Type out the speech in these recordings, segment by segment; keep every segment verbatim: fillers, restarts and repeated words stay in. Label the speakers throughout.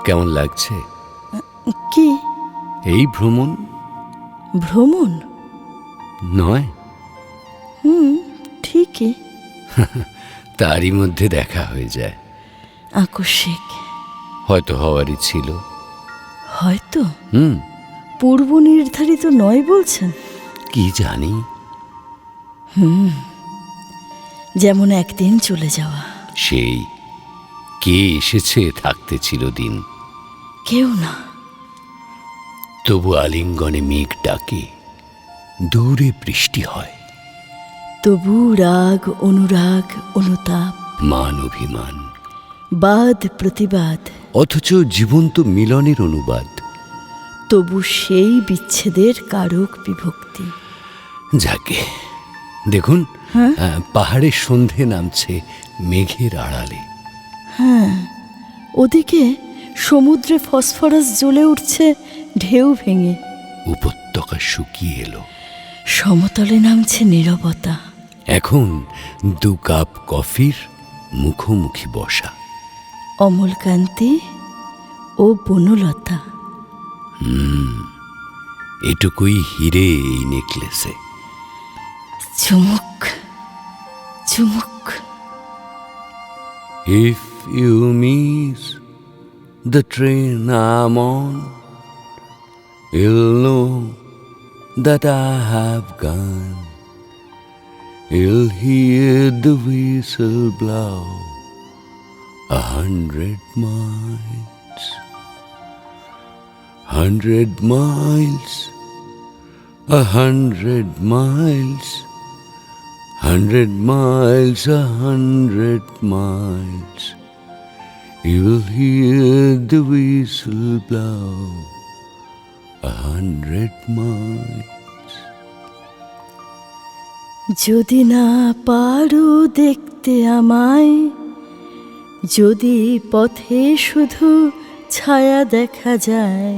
Speaker 1: কেমন লাগছে?
Speaker 2: কি?
Speaker 1: এই ভ্রমণ।
Speaker 2: ভ্রমণ
Speaker 1: নয়?
Speaker 2: হুম, ঠিকই।
Speaker 1: তারই মধ্যে দেখা হয়ে যায়।
Speaker 2: আকস্মিক।
Speaker 1: হয়তো হওয়ারই ছিল।
Speaker 2: হয়তো
Speaker 1: হুম।
Speaker 2: পূর্ব নির্ধারিত নয় বলছেন?
Speaker 1: কি জানি।
Speaker 2: হুম, যেমন একদিন চলে যাওয়া।
Speaker 1: সেই কে এসেছে থাকতে চিরদিন?
Speaker 2: কেউ না।
Speaker 1: তবু আলিঙ্গনে মেঘ ডাকে, দূরে বৃষ্টি হয়।
Speaker 2: তবু রাগ অনুরাগ অনুতাপ,
Speaker 1: মান অভিমান,
Speaker 2: বাদ প্রতিবাদ,
Speaker 1: অথচ জীবন্ত মিলনের অনুবাদ।
Speaker 2: তবু সেই বিচ্ছেদের কারক বিভক্তি।
Speaker 1: যাকে দেখুন,
Speaker 2: হ্যাঁ
Speaker 1: আহ, পাহাড়ের সন্ধে নামছে মেঘের আড়ালে।
Speaker 2: হ্যাঁ, ওদিকে সমুদ্রে ফসফরাস জ্বলে উঠছে ঢেউ ভেঙে।
Speaker 1: উপত্যকা শুকিয়ে এলো।
Speaker 2: সমতলে নামছে নীরবতা।
Speaker 1: এখন দু কাপ কফির মুখোমুখি বসা।
Speaker 2: অমলকান্তি ও বনলতা।
Speaker 1: এটুকুই হিরে এই নেকলেসে।
Speaker 2: চুমুক চুমুক।
Speaker 1: If you miss the train I'm on, you'll know that I have gone. You'll hear the whistle blow a hundred miles, hundred miles, a hundred miles, hundred miles, a hundred miles. You'll hear the whistle blow a hundred miles.
Speaker 2: যদি না পারো দেখতে আমায়, যদি পথে শুধু ছায়া দেখা যায়,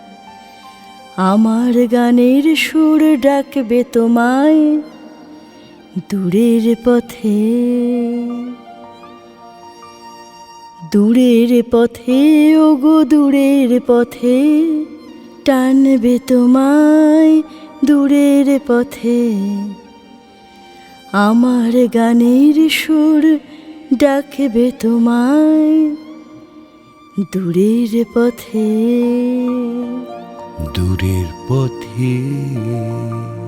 Speaker 2: আমার গানের সুর ডাকবে তোমায় দূরের পথে। দূরের পথে ওগো দূরের পথে, টানবে তোমায় দূরের পথে। আমার গানের সুর ডাকবে তোমায় দূরের পথে।
Speaker 1: দূরের পথে।